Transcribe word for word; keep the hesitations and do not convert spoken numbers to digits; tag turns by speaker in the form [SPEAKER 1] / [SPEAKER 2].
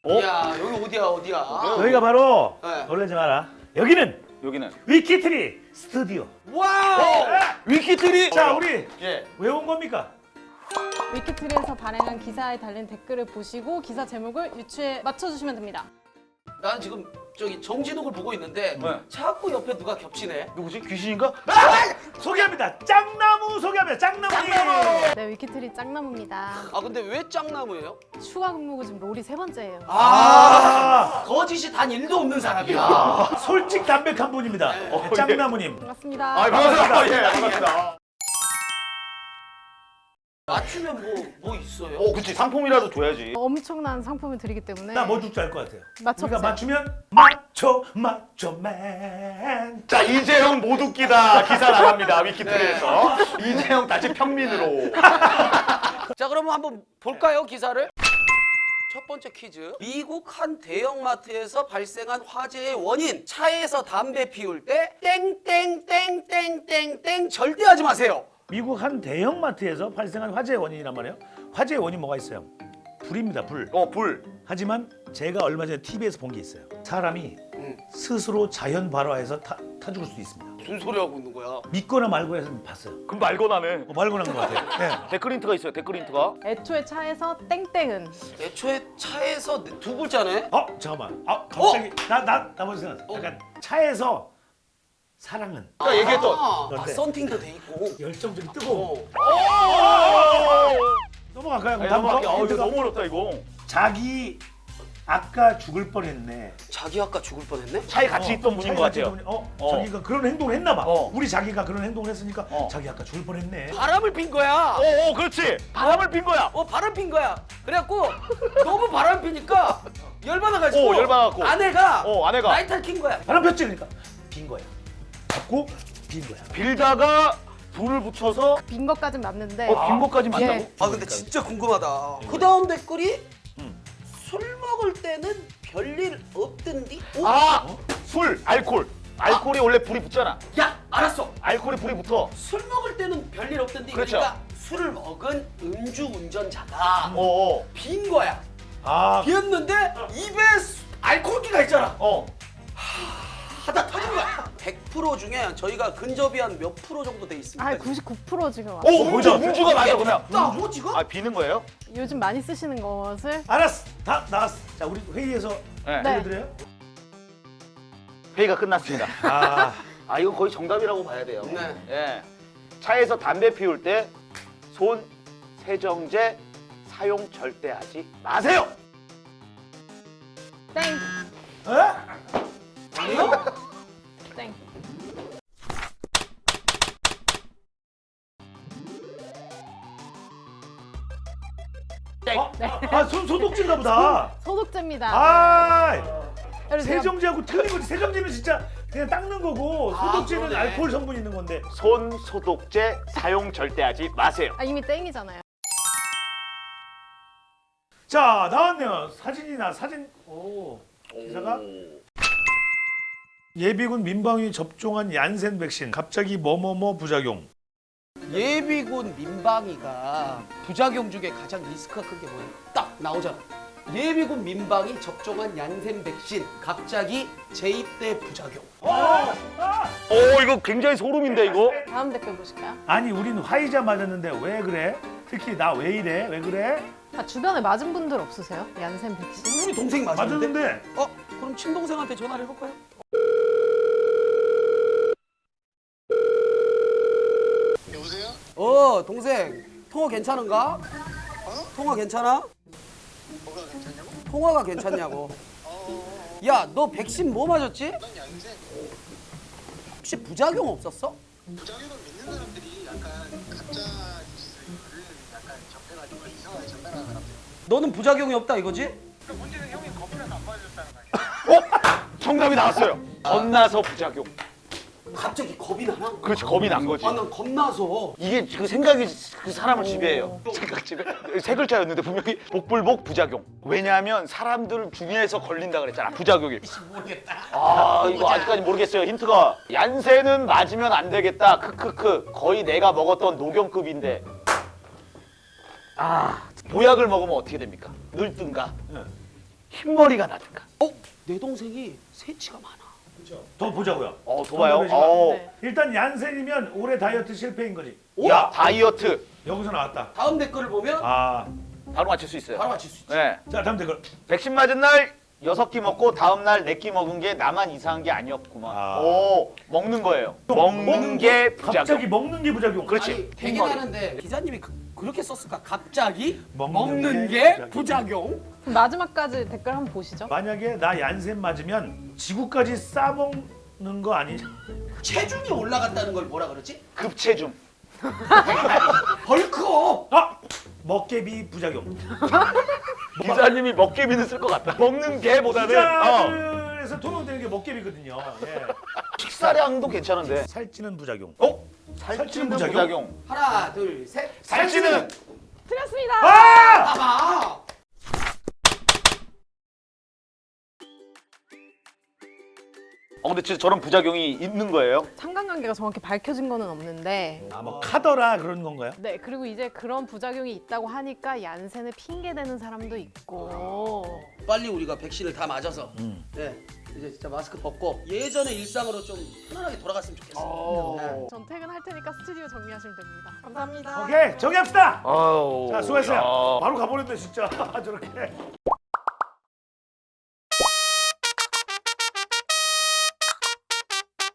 [SPEAKER 1] 어?
[SPEAKER 2] 야 여기 어디야 어디야?
[SPEAKER 3] 여기가 바로
[SPEAKER 2] 네.
[SPEAKER 3] 놀라지 마라. 여기는
[SPEAKER 1] 여기는
[SPEAKER 3] 위키트리 스튜디오.
[SPEAKER 2] 와우!
[SPEAKER 1] 위키트리.
[SPEAKER 3] 자, 우리
[SPEAKER 1] 예.
[SPEAKER 3] 왜 온 겁니까?
[SPEAKER 4] 위키트리에서 발행한 기사에 달린 댓글을 보시고 기사 제목을 유추에 맞춰주시면 됩니다.
[SPEAKER 2] 난 지금 저기 정진욱을 보고 있는데
[SPEAKER 1] 네.
[SPEAKER 2] 자꾸 옆에 누가 겹치네.
[SPEAKER 1] 누구지? 귀신인가?
[SPEAKER 3] 소개합니다. 짱나무 소개합니다. 짱나무님.
[SPEAKER 4] 네, 위키트리 짱나무입니다.
[SPEAKER 2] 아 근데 왜 짱나무예요?
[SPEAKER 4] 추가 근무고 지금 롤이 세 번째예요.
[SPEAKER 2] 아, 거짓이 단 일도 없는 사람이야.
[SPEAKER 3] 솔직 담백한 분입니다.
[SPEAKER 1] 어, 예.
[SPEAKER 3] 짱나무님.
[SPEAKER 4] 반갑습니다.
[SPEAKER 1] 아, 반갑습니다. 예, 반갑습니다.
[SPEAKER 2] 맞추면 뭐 뭐 있어요?
[SPEAKER 1] 어, 그치. 상품이라도 줘야지.
[SPEAKER 4] 엄청난 상품을 드리기 때문에
[SPEAKER 3] 나 뭐 줄 줄 알 것 같아요.
[SPEAKER 4] 맞춰보세요.
[SPEAKER 3] 우리가 맞추면 맞춰 맞춰맨.
[SPEAKER 1] 자, 이재영 못 웃기다 기사 나갑니다. 위키트리에서. 이재영 다시 평민으로.
[SPEAKER 2] 자 그러면 한번 볼까요 기사를? 첫 번째 퀴즈. 미국 한 대형마트에서 발생한 화재의 원인. 차에서 담배 피울 때 땡땡땡땡땡땡 절대 하지 마세요.
[SPEAKER 3] 미국 한 대형마트에서 발생한 화재의 원인이란 말이에요. 화재의 원인 뭐가 있어요? 불입니다. 불.
[SPEAKER 1] 어, 불.
[SPEAKER 3] 하지만 제가 얼마 전에 티비에서 본 게 있어요. 사람이
[SPEAKER 2] 음.
[SPEAKER 3] 스스로 자연 발화해서 타, 타 죽을 수도 있습니다.
[SPEAKER 2] 무슨 소리 하고 있는 거야?
[SPEAKER 3] 믿거나 말고 해서 봤어요.
[SPEAKER 1] 그럼 말고나네.
[SPEAKER 3] 어, 말고 난 것 같아요. 네.
[SPEAKER 1] 데크린트가 있어요. 데크린트가.
[SPEAKER 4] 애초에 차에서 땡땡은
[SPEAKER 2] 애초에 차에서 두 글자네?
[SPEAKER 3] 어 잠깐만. 아 갑자기 나나 나 먼저 생각.
[SPEAKER 2] 어?
[SPEAKER 3] 약간 차에서 사랑은
[SPEAKER 1] 아까 얘기했던.
[SPEAKER 2] 아,
[SPEAKER 3] 어때?
[SPEAKER 2] 썬팅도 돼 있고.
[SPEAKER 3] 열정적이 뜨거워.
[SPEAKER 2] 어.
[SPEAKER 3] 넘어갈까요?
[SPEAKER 1] 아니,
[SPEAKER 3] 다음
[SPEAKER 1] 넘어갈게.
[SPEAKER 3] 거?
[SPEAKER 1] 어, 이거
[SPEAKER 3] 힌트가?
[SPEAKER 1] 너무 어렵다 이거.
[SPEAKER 3] 자기 아까 죽을 뻔했네.
[SPEAKER 2] 자기 아까 죽을 뻔했네?
[SPEAKER 1] 차에 같이
[SPEAKER 3] 어,
[SPEAKER 1] 있던 분인
[SPEAKER 3] 자기
[SPEAKER 1] 것
[SPEAKER 3] 같이
[SPEAKER 1] 같아요.
[SPEAKER 3] 있던 분이- 어,
[SPEAKER 1] 어.
[SPEAKER 3] 자기가 그런 행동을 했나 봐.
[SPEAKER 1] 어.
[SPEAKER 3] 우리 자기가 그런 행동을 했으니까
[SPEAKER 1] 어.
[SPEAKER 3] 자기 아까 죽을 뻔했네.
[SPEAKER 2] 바람을 핀 거야.
[SPEAKER 1] 어, 어, 그렇지. 바람을 핀 거야.
[SPEAKER 2] 어 바람 핀 거야. 그래갖고 너무 바람 피니까 열받아가지고
[SPEAKER 1] 어, 열받아갖고.
[SPEAKER 2] 아내가
[SPEAKER 1] 어, 아내가.
[SPEAKER 2] 라이터를 킨 거야.
[SPEAKER 3] 바람 폈지 그러니까 빈 거야. 잡고 빈 거야.
[SPEAKER 1] 빌다가 불을 붙여서
[SPEAKER 4] 빈 것까진 맞는데
[SPEAKER 1] 어, 빈 것까지
[SPEAKER 4] 예.
[SPEAKER 1] 맞다고?
[SPEAKER 2] 아 근데 진짜 궁금하다. 그 다음 댓글이
[SPEAKER 1] 음.
[SPEAKER 2] 술 먹을 때는 별일 없던디? 어?
[SPEAKER 1] 아, 술, 알콜. 알콜이 원래 불이 붙잖아.
[SPEAKER 2] 야 알았어.
[SPEAKER 1] 알콜이 불이 붙어.
[SPEAKER 2] 술 먹을 때는 별일 없던디.
[SPEAKER 1] 그렇죠.
[SPEAKER 2] 그러니까 술을 먹은 음주 운전자가
[SPEAKER 1] 어, 어,
[SPEAKER 2] 빈 거야.
[SPEAKER 3] 아
[SPEAKER 2] 비었는데 입에 수- 알코올기가 있잖아.
[SPEAKER 1] 어.
[SPEAKER 2] 하다 터진 거야. 백 퍼센트 중에 저희가 근접이 한 몇 프로 정도 돼 있습니다.
[SPEAKER 4] 아, 구십구 퍼센트 지금 왔어요.
[SPEAKER 1] 오, 음주, 음주가 맞아 그러면.
[SPEAKER 2] 나뭐 지금?
[SPEAKER 1] 아, 비는 거예요?
[SPEAKER 4] 요즘 많이 쓰시는 것을
[SPEAKER 3] 알았어. 다 나왔어. 자 우리 회의에서
[SPEAKER 1] 네.
[SPEAKER 4] 네.
[SPEAKER 3] 알려드려요?
[SPEAKER 1] 회의가 끝났습니다.
[SPEAKER 3] 아
[SPEAKER 1] 아, 이건 거의 정답이라고 봐야 돼요.
[SPEAKER 2] 네.
[SPEAKER 1] 예. 차에서 담배 피울 때 손 세정제 사용 절대 하지 마세요.
[SPEAKER 4] 땡,
[SPEAKER 3] 에?
[SPEAKER 2] 아니요?
[SPEAKER 4] 땡.
[SPEAKER 3] 어? 아손 소독제인가 보다.
[SPEAKER 4] 소독제입니다.
[SPEAKER 3] 아
[SPEAKER 4] 그래서 제가
[SPEAKER 3] 세정제하고 틀린 거지. 세정제는 진짜 그냥 닦는 거고
[SPEAKER 2] 아,
[SPEAKER 3] 소독제는
[SPEAKER 2] 그러네.
[SPEAKER 3] 알코올 성분 있는 건데.
[SPEAKER 1] 손 소독제 사용 절대 하지 마세요.
[SPEAKER 4] 아, 이미 땡이잖아요.
[SPEAKER 3] 자 나왔네요. 사진이나 사진. 오 기사가 예비군 민방위 접종한 얀센 백신 갑자기 뭐뭐뭐 부작용.
[SPEAKER 2] 예비군 민방위가 부작용 중에 가장 리스크가 큰 게 뭐예요? 딱 나오잖아. 예비군 민방위 접종한 얀센 백신 갑자기 재입대 부작용.
[SPEAKER 3] 아, 아.
[SPEAKER 1] 오, 이거 굉장히 소름인데 이거.
[SPEAKER 4] 다음 댓글 보실까요?
[SPEAKER 3] 아니 우린 화이자 맞았는데 왜 그래? 특히 나 왜 이래? 왜 그래?
[SPEAKER 4] 아, 주변에 맞은 분들 없으세요? 얀센 백신?
[SPEAKER 2] 우리 동생 맞았는데?
[SPEAKER 3] 맞았는데
[SPEAKER 2] 어? 그럼 친동생한테 전화를 해볼까요?
[SPEAKER 5] 여보세요?
[SPEAKER 2] 어 동생 통화 괜찮은가? 통화 괜찮아?
[SPEAKER 5] 뭐가 괜찮냐고?
[SPEAKER 2] 통화가 괜찮냐고.
[SPEAKER 5] 어,
[SPEAKER 2] 야 너 백신 뭐 맞았지?
[SPEAKER 5] 난 양생.
[SPEAKER 2] 혹시 부작용 없었어?
[SPEAKER 5] 부작용을 믿는 사람들이 약간 가짜 뉴스를 약간 접해가지고 이상하게 전달하는 사람들.
[SPEAKER 2] 너는 부작용이 없다 이거지?
[SPEAKER 5] 그 문제는 형이 겁이라서 안 맞아줬다는 거 아니야?
[SPEAKER 1] 정답이 나왔어요. 겁나서 부작용.
[SPEAKER 2] 갑자기 겁이 나나?
[SPEAKER 1] 그렇지, 겁이 난 거지.
[SPEAKER 2] 아 난 겁나서.
[SPEAKER 1] 이게 그 생각이 그 사람을 지배해요. 생각 지배. 세 글자였는데 분명히 복불복 부작용. 왜냐하면 사람들 중에서 걸린다 그랬잖아. 부작용이.
[SPEAKER 2] 모르겠다.
[SPEAKER 1] 아, 이거 아직까지 모르겠어요. 힌트가 얀센은 맞으면 안 되겠다. 크크크. 거의 내가 먹었던 노경급인데. 아, 보약을 먹으면 어떻게 됩니까? 늙든가. 흰머리가 나든가.
[SPEAKER 2] 어? 내 동생이 새치가 많아.
[SPEAKER 3] 더 보자고요.
[SPEAKER 1] 어, 도봐요.
[SPEAKER 3] 정답이지만
[SPEAKER 1] 어.
[SPEAKER 4] 네.
[SPEAKER 3] 일단 얀센이면 올해 다이어트 실패인 거지.
[SPEAKER 1] 야, 다이어트.
[SPEAKER 3] 여기서 나왔다.
[SPEAKER 2] 다음 댓글을 보면
[SPEAKER 3] 아,
[SPEAKER 1] 바로 맞출 수 있어요.
[SPEAKER 2] 바로 맞힐 수 있지.
[SPEAKER 1] 네.
[SPEAKER 3] 자 다음 댓글.
[SPEAKER 1] 백신 맞은 날 여섯 끼 먹고 다음 날 네 끼 먹은 게 나만 이상한 게 아니었구만.
[SPEAKER 3] 아.
[SPEAKER 1] 오, 먹는 거예요. 먹는 게 부작용.
[SPEAKER 3] 갑자기 먹는 게 부작용.
[SPEAKER 1] 그렇지.
[SPEAKER 2] 아니 되게
[SPEAKER 1] 흰머리.
[SPEAKER 2] 많은데 기자님이 그, 그렇게 썼을까? 갑자기
[SPEAKER 3] 먹는
[SPEAKER 2] 먹는,
[SPEAKER 3] 게
[SPEAKER 2] 게 부작용.
[SPEAKER 4] 그럼 마지막까지 댓글 한번 보시죠.
[SPEAKER 3] 만약에 나 얀센 맞으면 지구까지 싸먹는 거 아니냐?
[SPEAKER 2] 체중이 올라간다는 걸 뭐라 그러지?
[SPEAKER 1] 급체중.
[SPEAKER 2] 벌크업.
[SPEAKER 3] 아, 먹개비 부작용.
[SPEAKER 1] 기자님이 먹개비는 쓸 것 같다. 먹는 게보다는 어.
[SPEAKER 3] 기자들에서 통용되는 게 먹개비거든요. 예.
[SPEAKER 1] 식사량도 괜찮은데.
[SPEAKER 3] 살찌는 부작용.
[SPEAKER 1] 어?
[SPEAKER 3] 살찌는
[SPEAKER 1] 살찌는
[SPEAKER 3] 부작용?
[SPEAKER 1] 부작용.
[SPEAKER 2] 하나, 둘, 셋.
[SPEAKER 1] 살찌는.
[SPEAKER 4] 틀렸습니다.
[SPEAKER 3] 아!
[SPEAKER 2] 봐봐.
[SPEAKER 1] 어, 근데 진짜 저런 부작용이 있는 거예요?
[SPEAKER 4] 상관관계가 정확히 밝혀진 거는 없는데
[SPEAKER 3] 아, 뭐 카더라 그런 건가요?
[SPEAKER 4] 네, 그리고 이제 그런 부작용이 있다고 하니까 얀센을 핑계대는 사람도 있고
[SPEAKER 2] 빨리 우리가 백신을 다 맞아서
[SPEAKER 3] 음.
[SPEAKER 2] 네, 이제 진짜 마스크 벗고 예전의 일상으로 좀 편안하게 돌아갔으면 좋겠어. 네.
[SPEAKER 4] 전 퇴근할 테니까 스튜디오 정리하시면 됩니다. 감사합니다.
[SPEAKER 3] 오케이 정리합시다.
[SPEAKER 1] 아우.
[SPEAKER 3] 자 수고했어요.
[SPEAKER 1] 야.
[SPEAKER 3] 바로 가버렸네 진짜 저렇게.